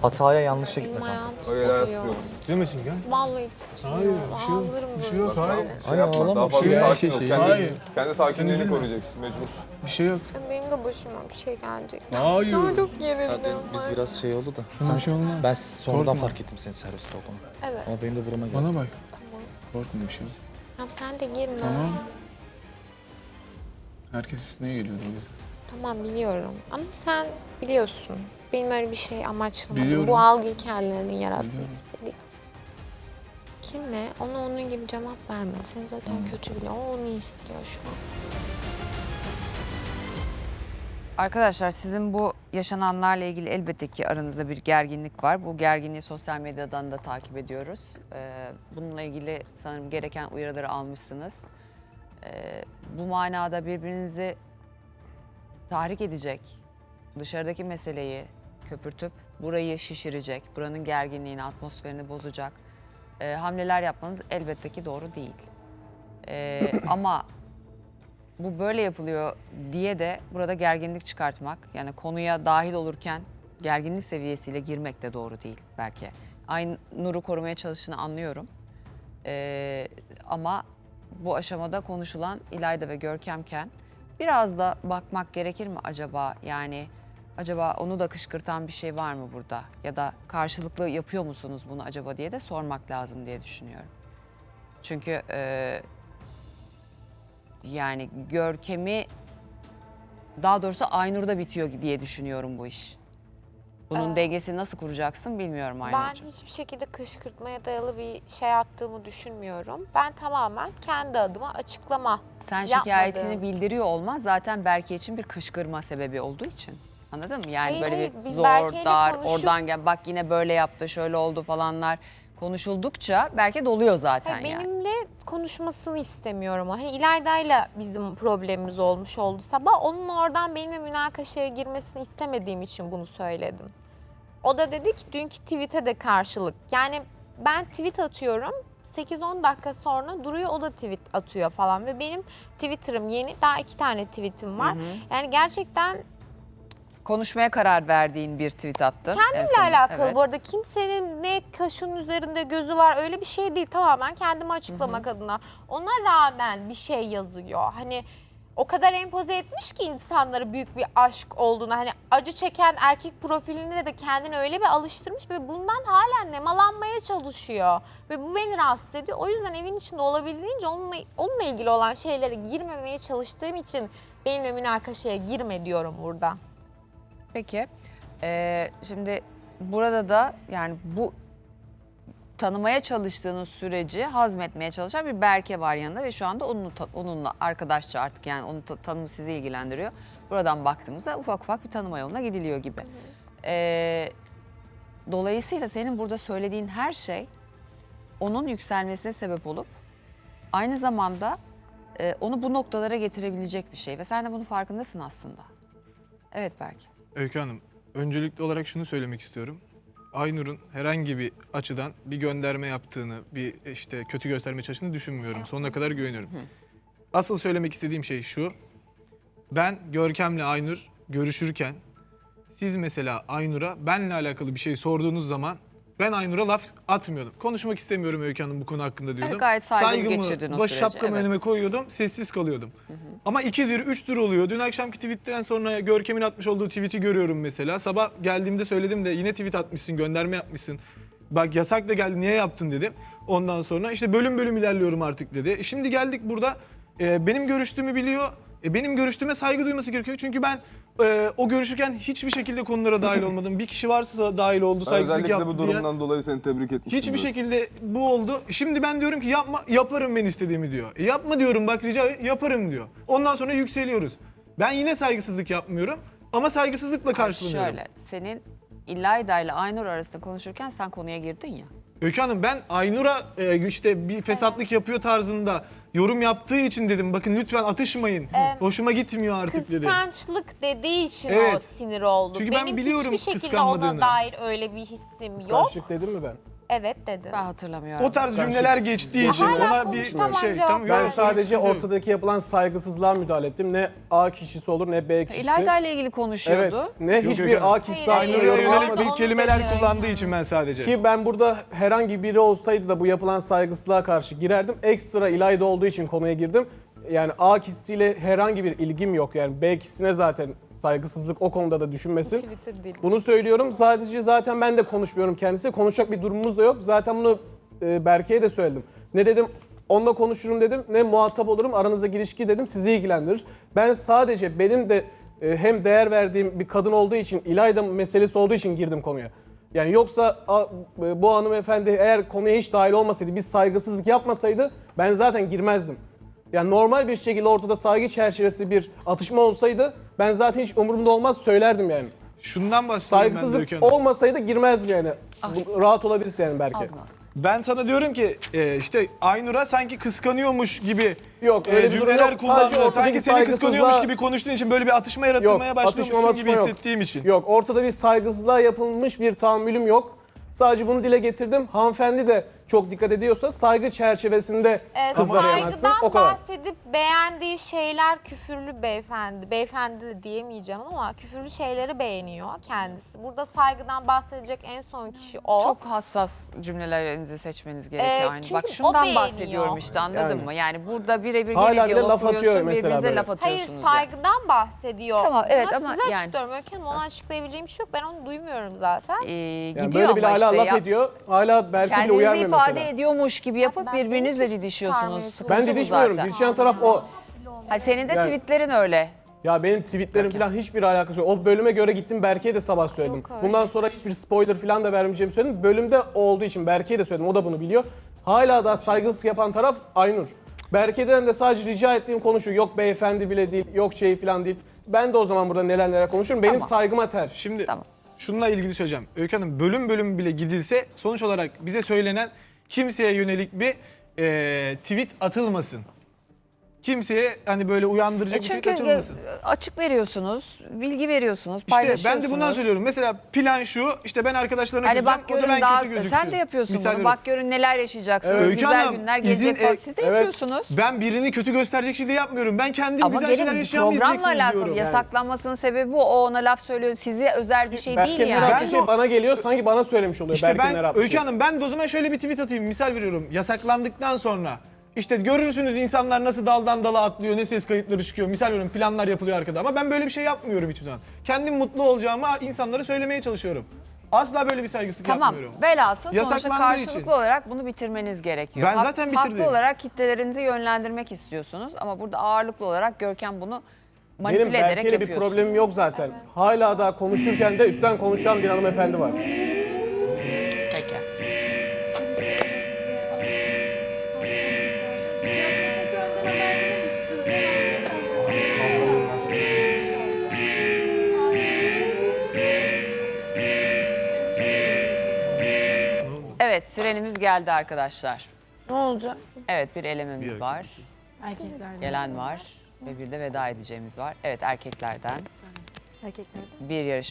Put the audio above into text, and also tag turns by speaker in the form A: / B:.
A: Hataya yanlışa
B: Benim
A: gitme kanka.
B: ayağım
C: Öyle hayat
B: titriyor.
C: yok.
D: Ciddi misin gel?
B: Vallahi titriyor.
D: Hayır, bir şey yok.
B: Ağlarım
D: Bir şey
B: böyle
D: yok, hayır.
B: şeylere.
C: Şey yapma,
A: ağlama,
C: daha fazla
D: bir şey yok.
C: sakin ol.
D: Hayır.
C: Kendi sakinliğini
D: üzülme.
C: koruyacaksın mecbur.
D: Bir şey yok.
B: Benim de başıma bir şey gelecek.
D: Hayır.
B: Şu an çok
A: Ya
B: gerildim.
A: dün biz biraz şey oldu da.
D: Sana bir şey olmaz.
A: Ben sonradan
D: Korkma.
A: fark ettim senin serviste olduğunu.
B: Evet,
A: Ama benim de burama geldi.
D: Bana bak.
B: tamam.
D: Korkma bir şey yok.
B: Tamam sen de girme.
D: Tamam. Herkes üstüne geliyordu o yüzden.
B: Tamam biliyorum. Ama sen biliyorsun. Benim öyle bir şey amaçlamadım.
D: Biliyorum.
B: Bu algı hikayelerinin yaratmak
D: Biliyorum.
B: istedik. Kimle? Ona onun gibi cevap verme. Sen zaten kötü biliyor. O onu istiyor şu an.
E: Arkadaşlar sizin bu yaşananlarla ilgili elbette ki aranızda bir gerginlik var. Bu gerginliği sosyal medyadan da takip ediyoruz. Bununla ilgili sanırım gereken uyarıları almışsınız. Bu manada birbirinizi tahrik edecek, dışarıdaki meseleyi köpürtüp burayı şişirecek, buranın gerginliğini, atmosferini bozacak hamleler yapmanız elbette ki doğru değil. Ama bu böyle yapılıyor diye de burada gerginlik çıkartmak, yani konuya dahil olurken gerginlik seviyesiyle girmek de doğru değil belki. Aynur'u korumaya çalıştığını anlıyorum. Ama bu aşamada konuşulan İlayda ve Görkemken biraz da bakmak gerekir mi acaba? Yani acaba onu da kışkırtan bir şey var mı burada? Ya da karşılıklı yapıyor musunuz bunu acaba diye de sormak lazım diye düşünüyorum. Çünkü yani Görkem'i, daha doğrusu Aynur'da bitiyor diye düşünüyorum bu iş. Bunun dengesini nasıl kuracaksın bilmiyorum
B: Ben
E: Aynur'cığım.
B: hiçbir şekilde kışkırtmaya dayalı bir şey attığımı düşünmüyorum. Ben tamamen kendi adıma açıklama
E: Sen
B: yapmadım.
E: şikayetini bildiriyor olman zaten Berke için bir kışkırma sebebi olduğu için. Anladın mı? Yani
B: Hayır,
E: böyle
B: hayır.
E: bir
B: Biz
E: zor,
B: Berke'yle
E: dar,
B: konuşup-
E: oradan gel, bak yine böyle yaptı, şöyle oldu falanlar konuşuldukça Berke doluyor zaten
B: Hayır,
E: yani.
B: benimle konuşmasını istemiyorum. Hani İlayda'yla bizim problemimiz olmuş oldu sabah. Onun oradan benimle münakaşaya girmesini istemediğim için bunu söyledim. O da dedi ki dünkü tweet'e de karşılık. Yani ben tweet atıyorum. 8-10 dakika sonra duruyor, o da tweet atıyor falan ve benim Twitter'ım yeni, daha 2 tane tweet'im var. Yani gerçekten
E: Konuşmaya karar verdiğin bir tweet attın.
B: kendimle alakalı bu arada, kimsenin ne kaşın üzerinde gözü var öyle bir şey değil, tamamen kendimi açıklamak adına. Ona rağmen bir şey yazıyor. Hani o kadar empoze etmiş ki insanlara büyük bir aşk olduğunu, hani acı çeken erkek profiline de kendini öyle bir alıştırmış ve bundan halen nemalanmaya çalışıyor. Ve bu beni rahatsız ediyor. O yüzden evin içinde olabildiğince onunla ilgili olan şeylere girmemeye çalıştığım için benimle münakaşaya girme diyorum burada.
E: Peki, şimdi burada da yani bu tanımaya çalıştığınız süreci hazmetmeye çalışan bir Berke var yanında ve şu anda onunla arkadaşça artık, yani onun tanımı sizi ilgilendiriyor. Buradan baktığımızda ufak ufak bir tanıma yoluna gidiliyor gibi. Dolayısıyla senin burada söylediğin her şey onun yükselmesine sebep olup aynı zamanda onu bu noktalara getirebilecek bir şey ve sen de bunun farkındasın aslında. Evet Berke.
D: Öykü Hanım, öncelikli olarak şunu söylemek istiyorum. Aynur'un herhangi bir açıdan bir gönderme yaptığını, bir işte kötü göstermeye çalıştığını düşünmüyorum. Sonuna kadar güveniyorum. Asıl söylemek istediğim şey şu. Ben Görkem'le Aynur görüşürken siz mesela Aynur'a benle alakalı bir şey sorduğunuz zaman ben Aynur'a laf atmıyordum. Konuşmak istemiyorum Öykü Hanım bu konu hakkında diyordum.
E: Evet, gayet saygılı geçirdin o
D: baş
E: süreci,
D: şapkamı
E: evet.
D: önüme koyuyordum, sessiz kalıyordum. Ama 2'dir, 3'tür oluyor. Dün akşamki tweetten sonra Görkem'in atmış olduğu tweet'i görüyorum mesela. Sabah geldiğimde söyledim de yine tweet atmışsın, gönderme yapmışsın. Bak yasak da geldi, niye yaptın dedim. Ondan sonra işte bölüm bölüm ilerliyorum artık dedi. Şimdi geldik burada, benim görüştüğümü biliyor. Benim görüştüğüme saygı duyması gerekiyor. Çünkü ben o görüşürken hiçbir şekilde konulara dahil olmadım. Bir kişi varsa dahil oldu, saygısızlık
C: Özellikle
D: yaptı
C: bu
D: diye.
C: durumdan dolayı seni tebrik etmiştim.
D: Hiçbir şekilde bu oldu. Şimdi ben diyorum ki yapma, yaparım ben istediğimi diyor. Yapma diyorum, bak rica yaparım diyor. Ondan sonra yükseliyoruz. Ben yine saygısızlık yapmıyorum ama saygısızlıkla karşılanıyorum.
E: Şöyle, senin İlayda ile Aynur arasında konuşurken sen konuya girdin ya.
D: Öykü Hanım, ben Aynur'a işte bir fesatlık yapıyor tarzında yorum yaptığı için dedim. Bakın lütfen atışmayın. Hoşuma gitmiyor artık dedim.
B: Kıskançlık dediği için o
D: Evet.
B: sinir oldu.
D: Çünkü ben
B: Benim
D: biliyorum
B: hiçbir şekilde
D: kıskanmadığını.
B: ona dair öyle bir hissim yok.
F: Kıskançlık dedim mi ben?
B: Evet dedim.
E: Ben hatırlamıyorum.
D: O tarz cümleler geçtiği için
B: Hala
D: ona bir
B: konuştamam,
D: şey.
B: cevap
D: Tamam,
C: Ben
D: yok,
C: sadece
D: sıkıntı yok.
C: ortadaki yapılan saygısızlığa müdahale ettim. Ne A kişisi olur ne B kişisi.
E: İlayda ile ilgili
C: Evet.
E: konuşuyordu.
C: Ne
D: Yok,
C: hiçbir
D: yok.
C: A kişisi
B: Hayır,
C: aynı
B: hayır,
D: Aynur'a
C: yorum
B: hayır.
D: yönelik
C: yapmadı.
B: Onu
D: bir kelimeler
B: dedi.
D: kullandığı için ben sadece.
C: Ki ben burada herhangi biri olsaydı da bu yapılan saygısızlığa karşı girerdim. Ekstra İlayda olduğu için konuya girdim. Yani A kişisiyle herhangi bir ilgim yok. Yani B kişisine zaten saygısızlık o konuda da düşünmesin.
B: Twitter değil.
C: Bunu söylüyorum. Sadece zaten ben de konuşmuyorum kendisiyle. Konuşacak bir durumumuz da yok. Zaten bunu Berke'ye de söyledim. Ne dedim? Onunla konuşurum dedim. Ne muhatap olurum. Aranızdaki ilişki dedim. Sizi ilgilendirir. Ben sadece benim de hem değer verdiğim bir kadın olduğu için, İlayda meselesi olduğu için girdim konuya. Yani yoksa bu hanımefendi eğer konuya hiç dahil olmasaydı, biz saygısızlık yapmasaydı ben zaten girmezdim. Yani normal bir şekilde ortada saygı çerçevesi bir atışma olsaydı ben zaten hiç umurumda olmaz söylerdim yani.
D: Şundan bahsediyorum ben de
C: Saygısızlık
D: Öykü Hanım.
C: olmasaydı girmezdim yani. Rahat olabilirsin yani belki.
E: Aldın aldın.
D: Ben sana diyorum ki işte Aynur'a sanki kıskanıyormuş gibi
C: Yok, öyle bir durum
D: cümleler
C: yok.
D: kullandın.
C: Sadece ortadaki
D: Sanki seni kıskanıyormuş
C: saygısızlığa-
D: gibi konuştuğun için böyle bir atışma yaratılmaya
C: Yok,
D: başlıyormuşsun
C: atışma
D: gibi
C: yok.
D: hissettiğim için.
C: Yok, ortada bir saygısızlığa yapılmış bir tahammülüm yok. Sadece bunu dile getirdim. Hanımefendi de çok dikkat ediyorsa saygı çerçevesinde kızlara yanaşsın. O
B: Saygıdan
C: kadar.
B: bahsedip beğendiği şeyler küfürlü beyefendi. Beyefendi de diyemeyeceğim ama küfürlü şeyleri beğeniyor kendisi. Burada saygıdan bahsedecek en son kişi o.
E: Çok hassas cümlelerinizi seçmeniz gerekiyor. Aynı.
B: çünkü
E: Bak
B: o
E: şundan
B: beğeniyor.
E: bahsediyorum işte anladın
C: Yani.
E: mı? Yani burada birebir
C: Hala
E: gene
C: bile
E: diyalog
C: laf atıyor
E: kuruyorsun,
C: mesela
E: birbirinize
C: böyle.
E: laf
B: Hayır
E: atıyorsunuz. yani.
B: saygıdan bahsediyor.
E: Tamam, evet
B: Buna
E: ama
B: size
E: yani-
B: açıklıyorum. Öykü Hanım ona açıklayabileceğim bir şey yok. Ben onu duymuyorum zaten.
C: Yani
E: Gidiyor
C: böyle bile
E: ama
C: hala
E: işte
C: laf
E: ya.
C: ediyor. Hala belki bile
E: Kendinizi
C: uyarmıyor
E: ifade
C: mesela.
E: ediyormuş gibi yapıp
B: Ben
E: birbirinizle
B: beni
E: didişiyorsunuz.
B: çıkarmaya
E: Sıkıntı
C: Ben
E: bu
C: didişmiyorum.
E: zaten.
C: Didişen taraf o.
E: Ha, senin de
C: Yani-
E: tweetlerin öyle.
C: Ya benim tweetlerim falan hiçbir alakası yok. O bölüme göre gittim Berke'ye de sabah söyledim.
B: Yok öyle.
C: Bundan sonra hiçbir spoiler falan da vermeyeceğimi söyledim. Bölümde o olduğu için Berke'ye de söyledim. O da bunu biliyor. Hala da saygısızlık yapan taraf Aynur. Berke'den de sadece rica ettiğim konu şu. Yok beyefendi bile değil, yok şey falan değil. Ben de o zaman burada neler neler konuşurum. Benim
E: Tamam.
C: saygıma ters.
D: Şimdi
E: Tamam.
D: şununla ilgili söyleyeceğim. Öykü Hanım bölüm bölüm bile gidilse sonuç olarak bize söylenen kimseye yönelik bir tweet atılmasın. Kimseye hani böyle uyandırıcı bir tweet
E: Çünkü
D: atılmasın.
E: açık veriyorsunuz, bilgi veriyorsunuz,
D: İşte
E: paylaşıyorsunuz.
D: ben de bundan söylüyorum. Mesela plan şu, işte ben arkadaşlarına
E: Hani
D: kıracağım,
E: bak
D: o da
E: görün
D: ben
E: daha
D: kötü gözüksün.
E: sen de yapıyorsun
D: Misal
E: bunu.
D: veriyorum.
E: Bak görün neler yaşayacaksınız.
C: Evet.
D: Öykü
E: Güzel
D: Hanım,
E: günler gelecek
D: izin-
E: falan. Siz de
C: evet.
E: yapıyorsunuz.
D: Ben birini kötü gösterecek şekilde yapmıyorum. Ben kendim
E: Ama
D: güzel şeyler
E: gelin
D: yaşayan mı
E: programla
D: izleyeceksiniz
E: alakalı
D: diyorum.
E: yasaklanmasının sebebi bu. O ona laf söylüyor. Size özel bir şey değil
C: Berke'nin
E: yani.
C: yaptığı
D: Ben
C: şey
D: de o-
C: bana geliyor. Sanki bana söylemiş oluyor.
D: İşte
C: Berke'nin
D: ben
C: yaptığı
D: Öykü
C: şey.
D: Hanım ben de o zaman şöyle bir tweet atayım. Misal veriyorum. Yasaklandıktan sonra işte görürsünüz insanlar nasıl daldan dala atlıyor, ne ses kayıtları çıkıyor. Misal veriyorum planlar yapılıyor arkada ama ben böyle bir şey yapmıyorum hiçbir zaman. Kendim mutlu olacağımı insanlara söylemeye çalışıyorum. Asla böyle bir saygısızlık
E: Tamam.
D: yapmıyorum.
E: Velhasıl sonuçta
D: Yasaklandığı
E: karşılıklı
D: için.
E: olarak bunu bitirmeniz gerekiyor.
D: Ben zaten bitirdim.
E: Haklı olarak kitlelerinizi yönlendirmek istiyorsunuz ama burada ağırlıklı olarak Görkem bunu manipüle
C: Benim
E: ederek
C: Berke'yle bir
E: yapıyorsun.
C: problemim yok zaten. Hala daha konuşurken de üstten konuşan bir hanımefendi var.
E: Peki. Evet, sirenimiz geldi arkadaşlar.
F: Ne olacak?
E: Evet, bir elememiz var.
F: Erkeklerden.
E: Gelen var ve bir de veda edeceğimiz var. Evet, erkeklerden
F: Erkeklerden.
E: bir yarışmacı